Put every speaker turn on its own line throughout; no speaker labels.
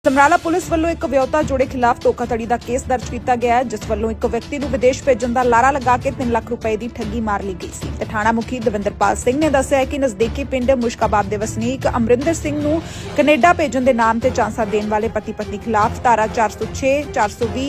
Samrala police ਵੱਲੋਂ ਇੱਕ ਵਿਅਕਤੀ ਜੋੜੇ ਖਿਲਾਫ ਧੋਖਾਧੜੀ ਦਾ ਕੇਸ ਦਰਜ ਕੀਤਾ ਗਿਆ ਹੈ, ਜਿਸ ਵੱਲੋਂ ਇੱਕ ਵਿਅਕਤੀ ਨੂੰ ਵਿਦੇਸ਼ ਭੇਜਣ ਦਾ ਲਾਰਾ ਲਗਾ ਕੇ 3 ਲੱਖ ਰੁਪਏ ਦੀ ਠੱਗੀ ਮਾਰ ਲਈ ਗਈ ਸੀ। ਤੇ ਥਾਣਾ ਮੁਖੀ ਦਵਿੰਦਰਪਾਲ ਸਿੰਘ ਨੇ ਦੱਸਿਆ ਹੈ ਕਿ ਨਜ਼ਦੀਕੀ ਪਿੰਡ ਮੁਸ਼ਕਾਬਾਦ ਦੇ ਵਸਨੀਕ ਅਮਰਿੰਦਰ ਸਿੰਘ ਨੂੰ ਕੈਨੇਡਾ ਭੇਜਣ ਦੇ ਨਾਮ ਤੇ ਝਾਂਸਾ ਦੇਣ ਵਾਲੇ ਪਤੀ ਪਤਨੀ ਖਿਲਾਫ ਧਾਰਾ 406, 420,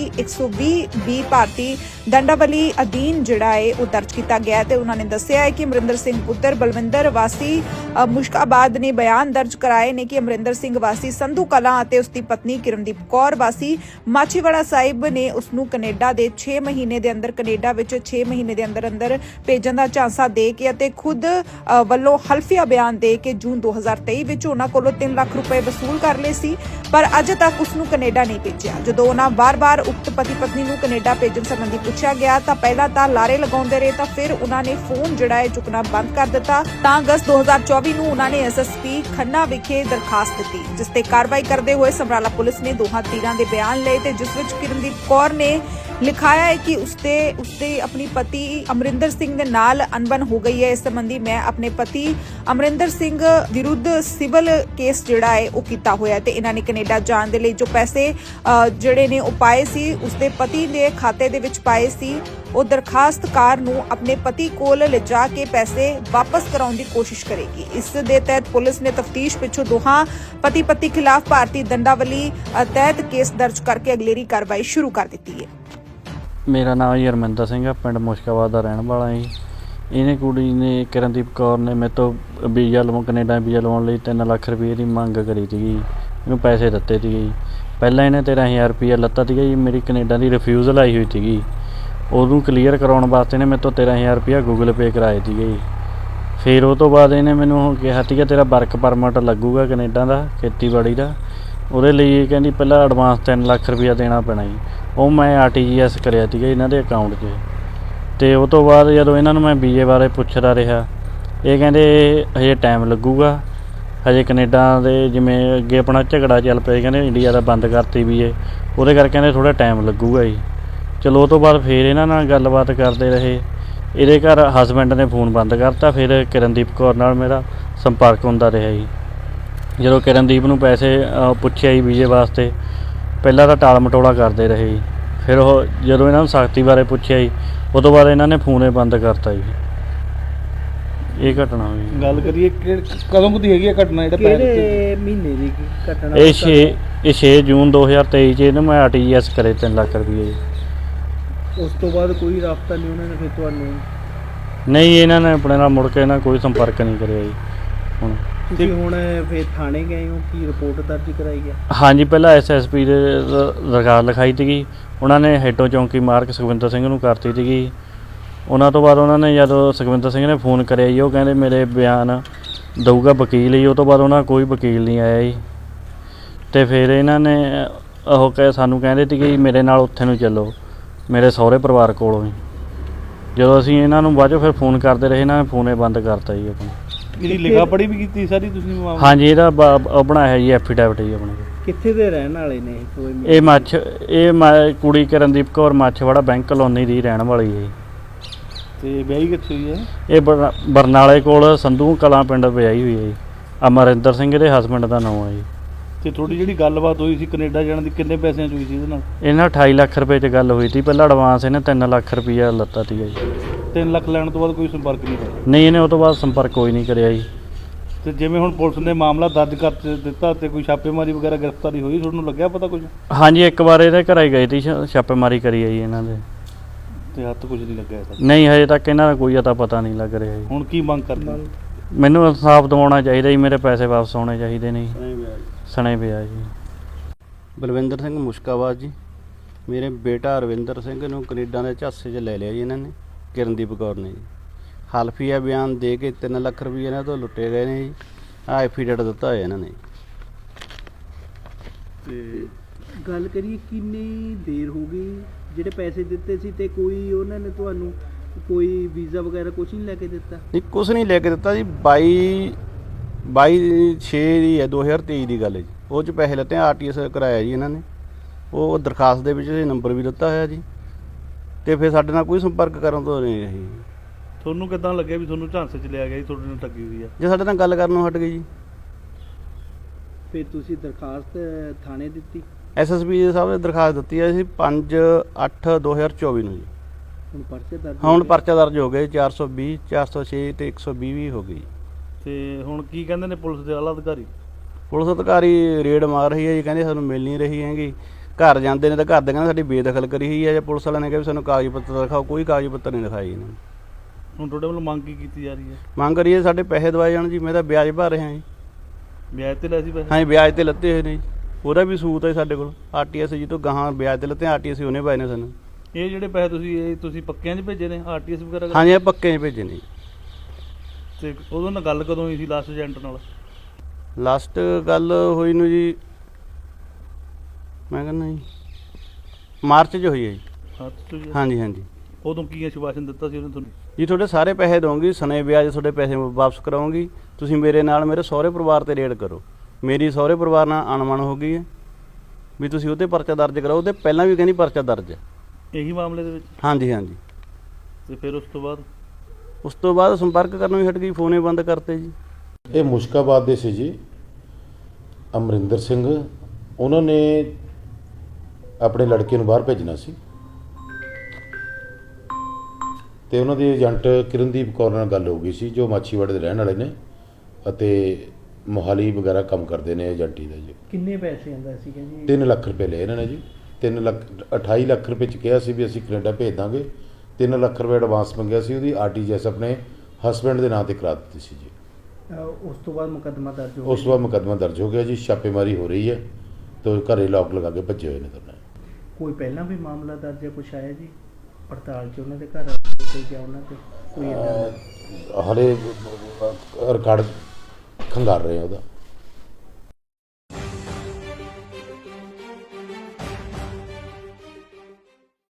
120 ਭਾਰਤੀ ਦੰਡਾਵਲੀ ਅਧੀਨ ਜਿਹੜਾ ਹੈ ਉਹ ਦਰਜ ਕੀਤਾ ਗਿਆ ਹੈ। ਤੇ ਉਹਨਾਂ ਨੇ ਦੱਸਿਆ ਹੈ ਕਿ ਅਮਰਿੰਦਰ ਸਿੰਘ ਪੁੱਤਰ ਬਲਵਿੰਦਰ ਵਾਸੀ ਮੁਸ਼ਕਾਬਾਦ ਨੇ ਬਿਆਨ ਦਰਜ ਕਰਾਏ ਨੇ ਕਿ ਅਮਰਿੰਦਰ ਸਿੰਘ ਵਾਸੀ ਸੰਧੂ ਕਲਾਂ ਅਤੇ ਉਸ ਦੀ ਪਤਨੀ ਕਿਰਨਦੀਪ ਕੌਰ ਵਾਸੀ ਮਾਛੀਵਾੜਾ ਸਾਹਿਬ ਨੇ ਉਸ ਨੂੰ ਕੈਨੇਡਾ ਦੇ 6 ਮਹੀਨੇ ਦੇ ਅੰਦਰ ਕੈਨੇਡਾ ਵਿੱਚ 6 ਮਹੀਨੇ ਦੇ ਅੰਦਰ ਭੇਜਣ ਦਾ ਝਾਂਸਾ ਦੇ ਕੇ ਅਤੇ ਖੁਦ ਵੱਲੋਂ ਹਲਫੀਆ ਬਿਆਨ ਦੇ ਕੇ ਜੂਨ 2023 ਵਿੱਚ ਉਹਨਾਂ ਕੋਲੋਂ 3 ਲੱਖ ਰੁਪਏ ਵਸੂਲ ਕਰ ਲਏ ਸੀ, ਪਰ ਅਜੇ ਤੱਕ ਉਸ ਨੂੰ ਕੈਨੇਡਾ ਨਹੀਂ ਭੇਜਿਆ। ਜਦੋਂ ਉਹਨਾਂ ਵਾਰ-ਵਾਰ ਉਕਤ ਪਤੀ ਪਤਨੀ ਨੂੰ ਕੈਨੇਡਾ ਭੇਜਣ ਸੰਬੰਧੀ ਪੁੱਛਿਆ ਗਿਆ ਤਾਂ ਪਹਿਲਾਂ ਤਾਂ ਲਾਰੇ ਲਗਾਉਂਦੇ ਰਹੇ, ਤਾਂ ਫਿਰ ਉਹਨਾਂ ਨੇ ਫੋਨ ਜਿਹੜਾ ਹੈ ਚੁੱਕਣਾ ਬੰਦ ਕਰ ਦਿੱਤਾ। ਤਾਂ ਅਗਸਤ 2024 ਨੂੰ ਉਹਨਾਂ ਨੇ ਐਸਐਸਪੀ ਖੰਨਾ ਵਿਖੇ ਦਰਖਾਸਤ ਦਿੱਤੀ, ਜਿਸ ਤੇ ਕਾਰਵਾਈ ਕਰਦੇ ਹੋਏ ਸਮਰਾਲਾ ਪੁਲਿਸ ਨੇ ਦੋਹਾਂ ਧਿਰਾਂ ਦੇ ਬਿਆਨ ਲਏ ਤੇ ਜਿਸ ਵਿੱਚ ਕਿਰਨਦੀਪ ਕੌਰ ਨੇ ਲਿਖਾਇਆ ਹੈ ਕਿ ਉਸਦੇ ਆਪਣੀ ਪਤੀ ਅਮਰਿੰਦਰ ਸਿੰਘ ਦੇ ਨਾਲ ਅਣਬਣ ਹੋ ਗਈ ਹੈ। ਇਸ ਸੰਬੰਧੀ ਮੈਂ ਆਪਣੇ ਪਤੀ ਅਮਰਿੰਦਰ ਸਿੰਘ ਵਿਰੁੱਧ ਸਿਵਲ ਕੇਸ ਜਿਹੜਾ ਹੈ ਉਹ ਕੀਤਾ ਹੋਇਆ ਤੇ ਇਹਨਾਂ ਨੇ ਕੈਨੇਡਾ ਜਾਣ ਦੇ ਲਈ ਜੋ ਪੈਸੇ ਜਿਹੜੇ ਨੇ ਉਹ ਪਾਏ ਸੀ ਉਸਦੇ ਪਤੀ ਦੇ ਖਾਤੇ ਦੇ ਵਿੱਚ ਪਾਏ ਸੀ। ਉਹ ਦਰਖਾਸਤਕਾਰ ਨੂੰ ਆਪਣੇ ਪਤੀ ਕੋਲ ਲਿਜਾ ਕੇ ਪੈਸੇ ਵਾਪਸ ਕਰਾਉਣ ਦੀ ਕੋਸ਼ਿਸ਼ ਕਰੇਗੀ। ਇਸ ਦੇ ਤਹਿਤ ਪੁਲਿਸ ਨੇ ਤਫਤੀਸ਼ ਪਿੱਛੋਂ ਦੋਹਾਂ ਪਤੀ ਪਤਨੀ ਖਿਲਾਫ ਭਾਰਤੀ ਦੰਡਾਵਲੀ ਤਹਿਤ ਕੇਸ ਦਰਜ ਕਰਕੇ ਅਗਲੇਰੀ ਕਾਰਵਾਈ ਸ਼ੁਰੂ ਕਰ ਦਿੱਤੀ ਹੈ।
ਮੇਰਾ ਨਾਮ ਜੀ ਅਰਮਿੰਦਰ ਸਿੰਘ ਆ, ਪਿੰਡ ਮੁਸ਼ਕਾਬਾਦ ਦਾ ਰਹਿਣ ਵਾਲਾ ਜੀ। ਇਹਨੇ ਕੁੜੀ ਨੇ ਕਿਰਨਦੀਪ ਕੌਰ ਨੇ ਮੇਰੇ ਤੋਂ ਵੀਜ਼ਾ ਲਵਾਉਣ ਕੈਨੇਡਾ ਵੀਜ਼ਾ ਲਵਾਉਣ ਲਈ 3 ਲੱਖ ਰੁਪਏ ਦੀ ਮੰਗ ਕਰੀ ਸੀਗੀ। ਇਹਨੂੰ ਪੈਸੇ ਦਿੱਤੇ ਸੀਗੇ ਜੀ। ਪਹਿਲਾਂ ਇਹਨੇ 13,000 ਰੁਪਇਆ ਲੱਤਾ ਸੀਗਾ ਜੀ। ਮੇਰੀ ਕੈਨੇਡਾ ਦੀ ਰਿਫਿਊਜ਼ਲ ਆਈ ਹੋਈ ਸੀਗੀ, ਉਹਨੂੰ ਕਲੀਅਰ ਕਰਾਉਣ ਵਾਸਤੇ ਨੇ ਮੇਰੇ ਤੋਂ 13,000 ਰੁਪਇਆ ਗੂਗਲ ਪੇ ਕਰਾਏ ਸੀਗੇ ਜੀ। ਫਿਰ ਉਹ ਤੋਂ ਬਾਅਦ ਇਹਨੇ ਮੈਨੂੰ ਕਿਹਾ ਸੀਗਾ ਤੇਰਾ ਵਰਕ ਪਰਮਿਟ ਲੱਗੂਗਾ ਕੈਨੇਡਾ ਦਾ ਖੇਤੀਬਾੜੀ ਦਾ, ਉਹਦੇ ਲਈ ਕਹਿੰਦੀ ਪਹਿਲਾਂ ਐਡਵਾਂਸ 3 ਲੱਖ ਰੁਪਇਆ ਦੇਣਾ ਪੈਣਾ ਜੀ। ਉਹ ਮੈਂ RTGS ਕਰਿਆ ਸੀਗਾ ਇਹਨਾਂ ਦੇ ਅਕਾਊਂਟ 'ਚ। ਅਤੇ ਉਹ ਤੋਂ ਬਾਅਦ ਜਦੋਂ ਇਹਨਾਂ ਨੂੰ ਮੈਂ ਵੀਜ਼ੇ ਬਾਰੇ ਪੁੱਛਦਾ ਰਿਹਾ, ਇਹ ਕਹਿੰਦੇ ਹਜੇ ਟਾਈਮ ਲੱਗੂਗਾ, ਹਜੇ ਕੈਨੇਡਾ ਦੇ ਜਿਵੇਂ ਅੱਗੇ ਆਪਣਾ ਝਗੜਾ ਚੱਲ ਪਿਆ, ਕਹਿੰਦੇ ਇੰਡੀਆ ਦਾ ਬੰਦ ਕਰਤੀ ਵੀਜ਼ੇ, ਉਹਦੇ ਕਰਕੇ ਕਹਿੰਦੇ ਥੋੜ੍ਹਾ ਟਾਈਮ ਲੱਗੂਗਾ ਜੀ। ਚਲੋ ਉਹ ਤੋਂ ਬਾਅਦ ਫਿਰ ਇਹਨਾਂ ਨਾਲ ਗੱਲਬਾਤ ਕਰਦੇ ਰਹੇ। ਇਹਦੇ ਘਰ ਹਸਬੈਂਡ ਨੇ ਫੋਨ ਬੰਦ ਕਰਤਾ। ਫਿਰ ਕਿਰਨਦੀਪ ਕੌਰ ਨਾਲ ਮੇਰਾ ਸੰਪਰਕ ਹੁੰਦਾ ਰਿਹਾ ਜੀ। ਜਦੋਂ ਕਿਰਨਦੀਪ ਨੂੰ ਪੈਸੇ ਪੁੱਛਿਆ ਜੀ ਵੀਜ਼ੇ ਵਾਸਤੇ, ਪਹਿਲਾਂ ਤਾਂ ਟਾਲ ਮਟੋਲਾ ਕਰਦੇ ਰਹੇ ਜੀ। ਫਿਰ ਉਹ ਜਦੋਂ ਇਹਨਾਂ ਨੂੰ ਸਖਤੀ ਬਾਰੇ ਪੁੱਛਿਆ ਜੀ, ਉਹ ਤੋਂ ਬਾਅਦ ਇਹਨਾਂ ਨੇ ਫੋਨ ਹੀ ਬੰਦ ਕਰਤਾ ਜੀ। ਇਹ ਘਟਨਾ ਹੋਈ।
ਗੱਲ ਕਰੀਏ ਕਦੋਂ ਕੁ ਦੀ ਹੈਗੀ ਆ ਘਟਨਾ?
ਕਿਹੜੇ ਮਹੀਨੇ ਦੀ ਘਟਨਾ?
ਇਹ 6 ਜੂਨ 2023 'ਚ ਇਹਨੂੰ ਮੈਂ RTGS ਕਰੇ 3 ਲੱਖ ਰੁਪਏ ਜੀ।
ਉਸ ਤੋਂ ਬਾਅਦ ਕੋਈ ਰਾਬਤਾ ਨਹੀਂ ਉਹਨਾਂ ਨੇ ਫਿਰ ਤੁਹਾਨੂੰ?
ਨਹੀਂ, ਇਹਨਾਂ ਨੇ ਆਪਣੇ ਨਾਲ ਮੁੜ ਕੇ ਇਹਨਾਂ ਕੋਈ ਸੰਪਰਕ ਨਹੀਂ ਕਰਿਆ ਜੀ। ਹੁਣ
ਤੁਸੀਂ ਹੁਣ ਫਿਰ ਥਾਣੇ ਗਏ ਹੋ, ਕੀ ਰਿਪੋਰਟ ਦਰਜ ਕਰਾਈ ਹੈ?
ਹਾਂਜੀ, ਪਹਿਲਾਂ SSP ਦੇ ਦਰਖਾਸਤ ਲਿਖਾਈ ਸੀਗੀ। ਉਹਨਾਂ ਨੇ ਹੈਡੋ ਚੌਂਕੀ ਮਾਰਕ ਸੁਖਵਿੰਦਰ ਸਿੰਘ ਨੂੰ ਕਰਤੀ ਸੀਗੀ। ਉਹਨਾਂ ਤੋਂ ਬਾਅਦ ਉਹਨਾਂ ਨੇ ਜਦੋਂ ਸੁਖਵਿੰਦਰ ਸਿੰਘ ਨੇ ਫੋਨ ਕਰਿਆ ਜੀ, ਉਹ ਕਹਿੰਦੇ ਮੇਰੇ ਬਿਆਨ ਦਊਗਾ ਵਕੀਲ ਜੀ। ਉਹ ਤੋਂ ਬਾਅਦ ਉਹਨਾਂ ਕੋਈ ਵਕੀਲ ਨਹੀਂ ਆਇਆ ਜੀ। ਅਤੇ ਫਿਰ ਇਹਨਾਂ ਨੇ ਉਹ ਸਾਨੂੰ ਕਹਿੰਦੇ ਸੀਗੇ ਜੀ ਮੇਰੇ ਨਾਲ ਉੱਥੇ ਨੂੰ ਚੱਲੋ, ਮੇਰੇ ਸਹੁਰੇ ਪਰਿਵਾਰ ਕੋਲੋਂ ਹੀ। ਜਦੋਂ ਅਸੀਂ ਇਹਨਾਂ ਨੂੰ ਬਾਅਦ 'ਚੋਂ ਫਿਰ ਫੋਨ ਕਰਦੇ ਰਹੇ, ਇਹਨਾਂ ਨੇ ਫੋਨ ਹੀ ਬੰਦ ਕਰਤਾ ਜੀ ਆਪਣਾ।
ਜਿਹੜੀ ਲਿਖਾ ਪੜ੍ਹੀ ਵੀ ਕੀਤੀ ਸਾਰੀ ਤੁਸੀਂ?
ਹਾਂਜੀ, ਇਹਦਾ ਉਹ ਬਣਾਇਆ ਜੀ ਐਫੀਡੈਵਿਟ ਜੀ ਆਪਣੇ।
ਕਿੱਥੇ ਦੇ ਰਹਿਣ ਵਾਲੇ ਨੇ
ਇਹ ਕੁੜੀ ਕਿਰਨਦੀਪ ਕੌਰ ਮਾਛੀਵਾੜਾ ਬੈਂਕ ਕਲੋਨੀ ਦੀ ਰਹਿਣ ਵਾਲੀ ਹੈ।
ਤੇ ਵਿਆਹੀ ਕਿੱਥੇ ਹੋਈ ਹੈ?
ਇਹ ਬਰਨਾਲੇ ਕੋਲ ਸੰਧੂ ਕਲਾਂ ਪਿੰਡ ਵਿਆਹੀ ਹੋਈ ਹੈ ਜੀ। ਅਮਰਿੰਦਰ ਸਿੰਘ ਦੇ ਹਸਬੈਂਡ ਦਾ ਨਾਮ ਹੈ ਜੀ।
ਤੇ ਤੁਹਾਡੀ ਜਿਹੜੀ ਗੱਲਬਾਤ ਹੋਈ ਸੀ ਕੈਨੇਡਾ ਜਾਣ ਦੀ, ਕਿੰਨੇ ਪੈਸਿਆਂ 'ਚ ਹੋਈ ਸੀ ਇਹਦੇ ਨਾਲ?
ਇਹਨਾਂ 28 ਲੱਖ ਰੁਪਏ 'ਚ ਗੱਲ ਹੋਈ ਸੀ। ਪਹਿਲਾਂ ਐਡਵਾਂਸ ਇਹਨੇ 3 ਲੱਖ ਰੁਪਈਆ ਲੱਤਾ ਸੀਗਾ ਜੀ।
3 ਲੱਖ ਲੈਣ ਤੋਂ ਬਾਅਦ ਕੋਈ ਸੰਪਰਕ ਨਹੀਂ ਹੋਇਆ?
ਨਹੀਂ, ਇਹਨੇ ਉਹ ਤੋਂ ਬਾਅਦ ਸੰਪਰਕ ਕੋਈ ਨਹੀਂ ਕਰਿਆ ਜੀ।
ਤੇ ਜਿਵੇਂ ਹੁਣ ਪੁਲਿਸ ਨੇ ਮਾਮਲਾ ਦਰਜ ਕਰ ਦਿੱਤਾ ਤੇ ਕੋਈ ਛਾਪੇਮਾਰੀ ਵਗੈਰਾ ਗ੍ਰਿਫਤਾਰੀ ਹੋਈ, ਤੁਹਾਨੂੰ ਲੱਗਿਆ ਪਤਾ ਕੁਝ?
ਹਾਂਜੀ, ਇੱਕ ਵਾਰ ਇਹਦੇ ਘਰ ਗਏ ਸੀ, ਛਾਪੇਮਾਰੀ ਕਰੀ ਹੈ ਜੀ ਇਹਨਾਂ ਦੇ।
ਤੇ ਹੱਥ ਕੁਝ ਨਹੀਂ ਲੱਗਿਆ?
ਨਹੀਂ, ਹਜੇ ਤੱਕ ਇਹਨਾਂ ਦਾ ਕੋਈ ਅਤਾ ਪਤਾ ਨਹੀਂ ਲੱਗ ਰਿਹਾ ਜੀ।
ਹੁਣ ਕੀ ਮੰਗ ਕਰਦੇ?
ਮੈਨੂੰ ਇਨਸਾਫ ਦਿਵਾਉਣਾ ਚਾਹੀਦਾ ਜੀ, ਮੇਰੇ ਪੈਸੇ ਵਾਪਸ ਆਉਣੇ ਚਾਹੀਦੇ ਨੇ ਜੀ। ਸਣੇ ਪਿਆ ਜੀ।
ਬਲਵਿੰਦਰ ਸਿੰਘ ਮੁਸ਼ਕਾਬਾਦ ਜੀ। ਮੇਰੇ ਬੇਟਾ ਅਰਵਿੰਦਰ ਸਿੰਘ ਨੂੰ ਕੈਨੇਡਾ ਦੇ ਝਾਂਸੇ 'ਚ ਲੈ ਲਿਆ ਜੀ ਇਹਨਾਂ ਨੇ, ਕਿਰਨਦੀਪ ਕੌਰ ਨੇ ਜੀ। ਹਲਫੀਆ ਬਿਆਨ ਦੇ ਕੇ 3 ਲੱਖ ਰੁਪਏ ਇਹਨਾਂ ਤੋਂ ਲੁੱਟੇ ਗਏ ਨੇ ਜੀ। ਆਹ ਐਫੀਡੇਵਿਟ ਦਿੱਤਾ ਹੋਇਆ ਇਹਨਾਂ ਨੇ।
ਤੇ ਗੱਲ ਕਰੀਏ ਕਿੰਨੀ ਦੇਰ ਹੋ ਗਈ ਜਿਹੜੇ ਪੈਸੇ ਦਿੱਤੇ ਸੀ, ਤੇ ਕੋਈ ਉਹਨਾਂ ਨੇ ਤੁਹਾਨੂੰ ਕੋਈ ਵੀਜ਼ਾ ਵਗੈਰਾ ਕੁਝ ਨਹੀਂ ਲੈ ਕੇ ਦਿੱਤਾ?
ਨਹੀਂ, ਕੁਛ ਨਹੀਂ ਲੈ ਕੇ ਦਿੱਤਾ ਜੀ। 22/6 ਦੀ ਹੈ 2023 ਦੀ ਗੱਲ ਹੈ ਜੀ। ਉਹ 'ਚ ਪੈਸੇ ਲੱਤੇ RTGS ਕਰਾਇਆ ਜੀ ਇਹਨਾਂ ਨੇ। ਉਹ ਦਰਖਾਸਤ ਦੇ ਵਿੱਚ ਨੰਬਰ ਵੀ ਦਿੱਤਾ ਹੋਇਆ ਜੀ। ਅਤੇ ਫਿਰ ਸਾਡੇ ਨਾਲ ਕੋਈ ਸੰਪਰਕ ਕਰਨ ਤੋਂ ਨਹੀਂ ਰਹੀ।
ਤੁਹਾਨੂੰ ਕਿੱਦਾਂ ਲੱਗਿਆ ਵੀ ਤੁਹਾਨੂੰ ਝਾਂਸੇ 'ਚ ਲਿਆ ਗਿਆ ਜੀ, ਤੁਹਾਡੇ ਨਾਲ ਠੱਗੀ ਹੋਈ ਆ?
ਜੇ ਸਾਡੇ ਨਾਲ ਗੱਲ ਕਰਨ ਨੂੰ ਹਟ ਗਈ ਜੀ।
ਫਿਰ ਤੁਸੀਂ ਦਰਖਾਸਤ ਥਾਣੇ ਦਿੱਤੀ?
ਐਸਐਸਪੀ ਸਾਹਿਬ ਨੇ ਦਰਖਾਸਤ ਦਿੱਤੀ ਹੈ ਸੀ 5/8/2024 ਨੂੰ ਜੀ।
ਹੁਣ ਪਰਚੇ ਦਰਜ
ਹੁਣ
ਹੋ ਗਏ?
ਪਰਚਾ ਦਰਜ ਹੋ ਗਏ 420 406 ਤੇ 120 ਵੀ ਹੋ ਗਈ।
ਤੇ ਹੁਣ ਕੀ ਕਹਿੰਦੇ ਨੇ ਪੁਲਿਸ ਦੇ ਆਲਾ ਅਧਿਕਾਰੀ?
ਪੁਲਿਸ ਅਧਿਕਾਰੀ ਰੇਡ ਮਾਰ ਰਹੀ ਹੈ ਜੀ, ਕਹਿੰਦੇ ਸਾਨੂੰ ਮਿਲ ਨਹੀਂ ਰਹੀ ਹੈਗੀ। ਘਰ ਜਾਂਦੇ ਨੇ ਤਾਂ ਘਰ ਦੇ ਕਹਿੰਦੇ ਸਾਡੀ ਬੇਦਖਲ ਕਰੀ ਹੋਈ ਹੈ, ਜਾਂ ਪੁਲਿਸ ਵਾਲਿਆਂ ਨੇ ਕਿਹਾ ਵੀ ਸਾਨੂੰ ਕਾਗਜ਼ ਪੱਤਰ ਦਿਖਾਓ, ਕੋਈ ਕਾਗਜ਼ ਪੱਤਰ ਨਹੀਂ ਦਿਖਾਏ ਇਹਨਾਂ ਨੇ।
ਹੁਣ ਤੁਹਾਡੇ ਵੱਲੋਂ ਮੰਗ ਕੀ ਕੀਤੀ ਜਾ ਰਹੀ ਹੈ?
ਮੰਗ ਕਰੀਏ ਸਾਡੇ ਪੈਸੇ ਦਵਾਏ ਜਾਣ ਜੀ, ਮੈਂ ਤਾਂ ਵਿਆਜ ਭਰ ਰਿਹਾ ਜੀ।
ਵਿਆਜ ਤੇ ਲੈ ਸੀ ਪੈਸੇ?
ਹਾਂਜੀ ਵਿਆਜ ਤੇ ਲੱਤੇ ਹੋਏ ਨੇ ਜੀ, ਉਹਦਾ ਵੀ ਸੂਤ ਹੈ ਸਾਡੇ ਕੋਲ। ਆਰਟੀਐਸ ਜੀ ਤੋਂ ਗਾਹਾਂ ਵਿਆਜ ਤੇ ਲੱਤੇ, ਆਰਟੀਐਸ ਉਹਨੇ ਪਾਏ ਨੇ ਸਾਨੂੰ।
ਇਹ ਜਿਹੜੇ ਪੈਸੇ ਤੁਸੀਂ ਪੱਕਿਆਂ 'ਚ ਭੇਜੇ ਨੇ ਆਰਟੀਐਸ ਵਗੈਰਾ?
ਹਾਂਜੀ ਇਹ ਪੱਕੇ 'ਚ ਭੇਜੇ ਨੇ ਜੀ।
ਤੇ ਉਦੋਂ ਨਾਲ ਗੱਲ ਕਦੋਂ ਹੋਈ ਸੀ ਲਾਸਟ ਏਜੰਟ ਨਾਲ?
ਲਾਸਟ ਗੱਲ ਹੋਈ ਨੂੰ ਜੀ ਮੈਂ ਕਹਿੰਦਾ ਜੀ ਮਾਰਚ 'ਚ ਹੋਈ ਹੈ ਜੀ।
ਹੱਥ 'ਚ ਜੀ?
ਹਾਂਜੀ ਹਾਂਜੀ
ਉਦੋਂ ਕੀ ਆਸ਼ਵਾਸਨ ਦਿੱਤਾ ਸੀ ਉਹਨੇ ਤੁਹਾਨੂੰ?
ਜੀ ਤੁਹਾਡੇ ਸਾਰੇ ਪੈਸੇ ਦਊਂਗੀ, ਸਨੇ ਵਿਆਜ ਤੁਹਾਡੇ ਪੈਸੇ ਵਾਪਸ ਕਰਾਉਂਗੀ, ਤੁਸੀਂ ਮੇਰੇ ਨਾਲ ਮੇਰੇ ਸਹੁਰੇ ਪਰਿਵਾਰ ਤੇ ਰੇਡ ਕਰੋ। ਮੇਰੀ ਸਹੁਰੇ ਪਰਿਵਾਰ ਨਾਲ ਅਣਮਨ ਹੋ ਗਈ ਹੈ ਵੀ ਤੁਸੀਂ ਉਹਤੇ ਪਰਚਾ ਦਰਜ ਕਰਾਓ, ਉਹਦੇ ਪਹਿਲਾਂ ਵੀ ਕਹਿੰਦੀ ਪਰਚਾ ਦਰਜ ਹੈ।
ਇਹੀ ਮਾਮਲੇ ਦੇ ਵਿੱਚ?
ਹਾਂਜੀ ਹਾਂਜੀ।
ਤੇ ਫਿਰ ਉਸ ਤੋਂ ਬਾਅਦ
ਸੰਪਰਕ ਕਰਨੋਂ ਹੀ ਹਟ ਗਈ, ਫੋਨੇ ਬੰਦ ਕਰਤੇ ਜੀ।
ਇਹ ਮੁਸ਼ਕਾਬਾਦ ਦੇ ਸੀ ਜੀ ਅਮਰਿੰਦਰ ਸਿੰਘ, ਉਹਨਾਂ ਨੇ ਆਪਣੇ ਲੜਕੇ ਨੂੰ ਬਾਹਰ ਭੇਜਣਾ ਸੀ ਤੇ ਉਹਨਾਂ ਦੇ ਏਜੰਟ ਕਿਰਨਦੀਪ ਕੌਰ ਨਾਲ ਗੱਲ ਹੋ ਗਈ ਸੀ, ਜੋ ਮਾਛੀਵਾੜੇ ਦੇ ਰਹਿਣ ਵਾਲੇ ਨੇ ਅਤੇ ਮੋਹਾਲੀ ਵਗੈਰਾ ਕੰਮ ਕਰਦੇ ਨੇ ਏਜੰਟੀ ਦਾ ਜੀ।
ਕਿੰਨੇ ਪੈਸੇ ਆਂਦਾ ਸੀਗਾ ਜੀ?
3 ਲੱਖ ਰੁਪਏ ਲਏ ਇਹਨਾਂ ਨੇ ਜੀ। 28 ਲੱਖ ਰੁਪਏ 'ਚ ਕਿਹਾ ਸੀ ਵੀ ਅਸੀਂ ਕੈਨੇਡਾ ਭੇਜ ਦਾਂਗੇ। 3 ਲੱਖ ਰੁਪਏ ਐਡਵਾਂਸ ਮੰਗਿਆ ਸੀ, ਉਹਦੀ ਆਰਟੀਜੀਐਸ ਆਪਣੇ ਹਸਬੈਂਡ ਦੇ ਨਾਂ ਤੇ ਕਰਾ ਦਿੱਤੀ ਸੀ ਜੀ।
ਉਸ ਤੋਂ ਬਾਅਦ ਮੁਕੱਦਮਾ ਦਰਜ ਹੋ ਗਿਆ?
ਉਸ ਤੋਂ ਬਾਅਦ ਮੁਕੱਦਮਾ ਦਰਜ ਹੋ ਗਿਆ ਜੀ, ਛਾਪੇਮਾਰੀ ਹੋ ਰਹੀ ਹੈ ਤੇ ਘਰੇ ਲੋਕ ਲਗਾ ਕੇ ਭੱਜੇ ਹੋਏ ਨੇ ਦੋਨੇ।
ਕੋਈ ਪਹਿਲਾਂ ਵੀ ਮਾਮਲਾ ਦਰਜ ਹੈ, ਕੁਛ ਆਇਆ ਜੀ ਪੜਤਾਲ 'ਚ ਉਹਨਾਂ ਦੇ ਘਰ ਤੇ ਜਾਂ ਉਹਨਾਂ ਤੇ ਕੋਈ ਏਦਾਂ ਦਾ?
ਹਾਲੇ ਰਿਕਾਰਡ ਖੰਗਾਰ ਰਹੇ ਆ ਉਹਦਾ।